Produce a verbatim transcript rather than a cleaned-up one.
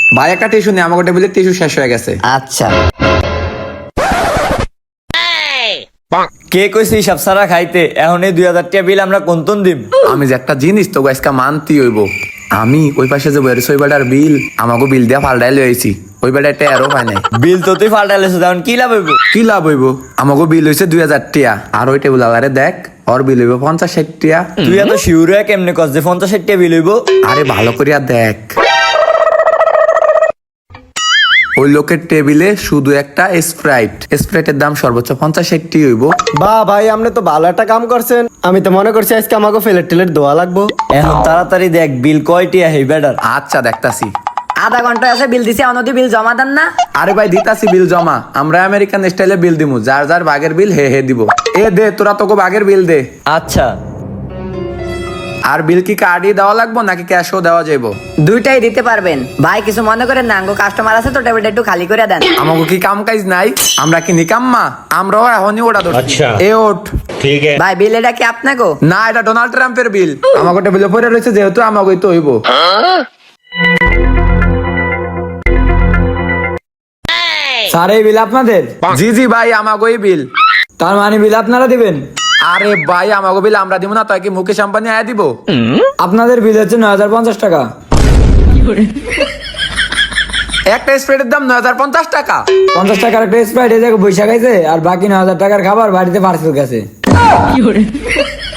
ভাই একটা টিস্যু নেই, আমাকে টেবিলে টিস্যু শেষ হয়ে গেছে। আচ্ছা কে কইছে হিসাব সারা খাইতে? এখন এই দুই হাজার টাকা বিল আমরা কোনতন দিম? আমি যে একটা জিনিস তো আজকে মানতি হইব। আমি ওই পাশে যে বেরোছি ওই বেটার বিল আমাকে বিল দিয়া পাল্টাই লইছি, ওই বেটা একটা এরও পাই নাই। বিল তো তুই ফাল্টাইলেছিস, এখন কি লাভ হইব? কি লাভ হইব? আমাকে বিল হইছে দুই হাজার টিয়া, আর ওই টেবিল আলারে দেখ ওর বিল হইব পঞ্চাশ ষাট টিয়া। তুই এত শিউর হয়ে কেমনে কস যে পঞ্চাশ ষাট টাকা বিল হইব? আরে ভালো করিয়া দেখ, ওই লোকের টেবিলে শুধু একটা স্প্রাইট, স্প্রাইটের দাম সর্বোচ্চ পঞ্চাশ ষাট টি হইব। বা ভাই আপনি তো ভালো একটা কাম করছেন, আমি তো মনে করছি আজকে আমাকে ফেলের টেলের দোয়া লাগবো। এখন তাড়াতাড়ি দেখ বিল কয়টি আহে বেটার। আচ্ছা দেখতাছি। আধা ঘন্টা আছে বিল দিছি, অনদি বিল জমা দেন না। আরে ভাই দিতাছি বিল জমা, আমরা আমেরিকান স্টাইলে বিল দিমু, যার যার বাগের বিল হে হে দিব। এ দে তোরা তোকে বাগের বিল দে। আচ্ছা আর বিল কি কার্ডই দেওয়া লাগবো নাকি ক্যাশও দেওয়া যাইবো? দুইটাই দিতে পারবেন ভাই, কিছু মনে করেন না, আঙ্গো কাস্টমার আছে তো টেবিলটা একটু খালি করে দেন। আমাকে কি কাম কাজ নাই? আমরা কি নিকাম্মা? আমরাও এখনই ওটা ধরছি। আচ্ছা। এ ওঠ। ठीक है। ভাই বিল এটা কি আপনাকে? না, এটা ডোনাল্ড ট্রাম্পের বিল। আমাকে টেবিলে পড়ে রয়েছে যেহেতু আমাকে তো হইব। স্যার এই বিল আপনাদের? জি জি ভাই আমাকেই বিল। তার মানে বিল আপনারা দিবেন? আরে ভাই আমাকে বিল আমরা দিব না, তাই কি মুকেশ আম্বানি আয়া দিব? আপনাদের বিল হচ্ছে নয় হাজার পঞ্চাশ টাকা। একটা স্প্রেডের দাম নয় হাজার পঞ্চাশ টাকা। পঞ্চাশ টাকার একটা স্প্রাইট এই জায়গায় বৈশাখ আছে, আর বাকি নয় হাজার টাকার খাবার বাড়িতে পার্সেল গেছে।